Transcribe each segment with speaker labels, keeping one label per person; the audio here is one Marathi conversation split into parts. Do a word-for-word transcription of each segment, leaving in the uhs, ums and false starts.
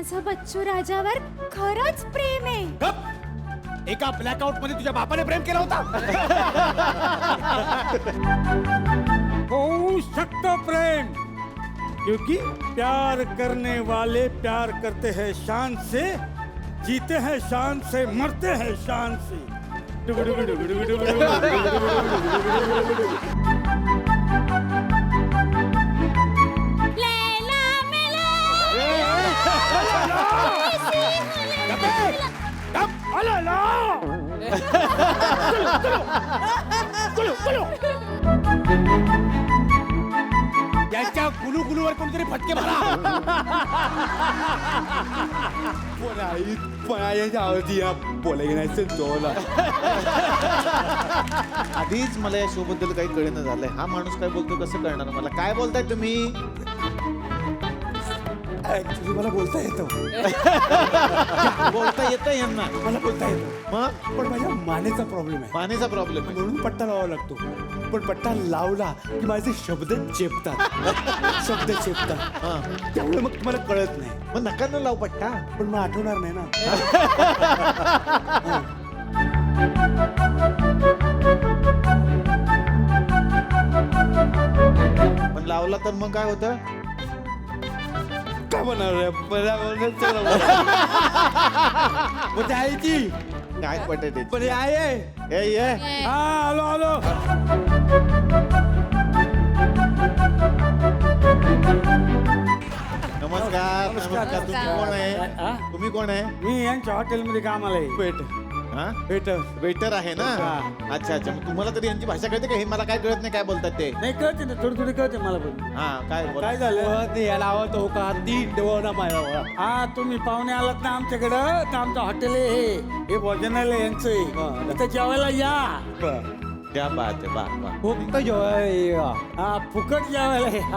Speaker 1: माझं बच्चू राजावर खरंच प्रेम आहे.
Speaker 2: गप! एका ब्लॅकआउट मध्ये तुझ्या बापाने प्रेम केला होता.
Speaker 3: हो सकता प्रेम, क्योंकि प्यार करने वाले प्यार करते हैं शान से, जीते हैं शान से, मरते हैं शान से.
Speaker 1: लैला मेला.
Speaker 3: अला ला!
Speaker 2: यांच्या गुलू गुलूवर कोणतरी फटके मारा.
Speaker 4: आधीच मला या शो बद्दल काही कळेना झालंय. हा माणूस काय बोलतो कसं कळणार मला? काय बोलताय तुम्ही?
Speaker 2: ऍक्च्युली मला बोलता येतं.
Speaker 4: बोलता येतं यांना?
Speaker 2: मला बोलता येतं,
Speaker 4: मग
Speaker 2: पण माझ्या मानेचा प्रॉब्लेम आहे.
Speaker 4: मानेचा प्रॉब्लेम आहे.
Speaker 2: म्हणून पट्टा लावावा लागतो. पण पट्टा लावला की माझे शब्द चेपतात. शब्द चेपतात.
Speaker 4: हा.
Speaker 2: त्यामुळे मग तुम्हाला कळत नाही.
Speaker 4: मग नका न लाव पट्टा.
Speaker 2: पण मग आठवणार नाही ना.
Speaker 4: पण लावला तर मग काय होतं?
Speaker 2: काय म्हणणार पण आहे ती
Speaker 4: काय पटेल?
Speaker 2: पण आहे.
Speaker 4: ए ये.
Speaker 3: हा आलो आलो.
Speaker 4: नमस्कार नमस्कार. तुम्ही कोण आहे?
Speaker 3: हा?
Speaker 4: तुम्ही कोण आहे?
Speaker 3: मी यांच्या हॉटेलमध्ये कामाला आहे.
Speaker 2: पेट
Speaker 4: हा?
Speaker 2: पेट
Speaker 4: वेटर आहे ना?
Speaker 3: हा.
Speaker 4: अच्छा अच्छा. मग तुम्हाला तरी यांची भाषा कळते का? हे मला काय कळत नाही काय बोलतात ते.
Speaker 3: नाही कळते ना, थोडी थोडी कळते मला पण.
Speaker 4: हा काय बोला.
Speaker 3: काय झालं?
Speaker 2: याला आवडतो का ती डोळा मारा.
Speaker 3: हा तुम्ही पाहुणे आलात ना आमच्याकडं, तर आमचं हॉटेल आहे हे. हे भोजनालय यांचं आहे. आता जेवायला या.
Speaker 4: क्या बात आहे. बा बा.
Speaker 2: फक्त जेव्हा
Speaker 3: हा फुकट जेवायला या.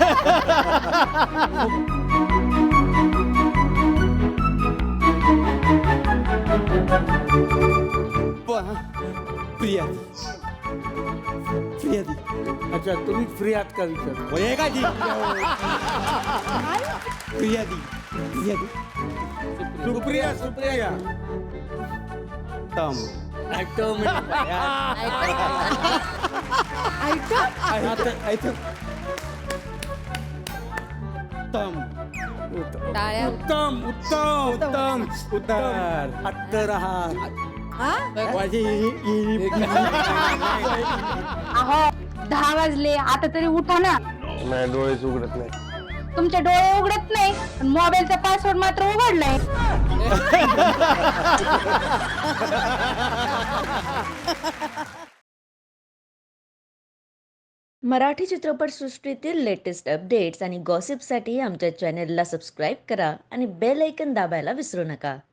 Speaker 2: प्रिया प्रिया दी
Speaker 3: अच्छा तुम्ही फ्री आहात का विचार?
Speaker 2: वय का दी प्रिया दी प्रिया दी
Speaker 3: सुप्रिया सुप्रिया
Speaker 2: तम
Speaker 3: ऍक्टर
Speaker 2: तम
Speaker 1: टाळ्या.
Speaker 3: उत्तम उत्तम उत्तम उत्तम अत्तर आहात.
Speaker 5: अहो दहा वाजले आता तरी उठा ना.
Speaker 6: नाही डोळेच उघडत नाही.
Speaker 5: तुमचे डोळे उघडत नाही पण मोबाईलचा पासवर्ड मात्र उघडलाय.
Speaker 7: मराठी चित्रपटसृष्टीतील लेटेस्ट अपडेट्स आणि गॉसिपसाठी आमच्या चॅनेलला सबस्क्राईब करा आणि बेल ऐकन दाबायला विसरू नका.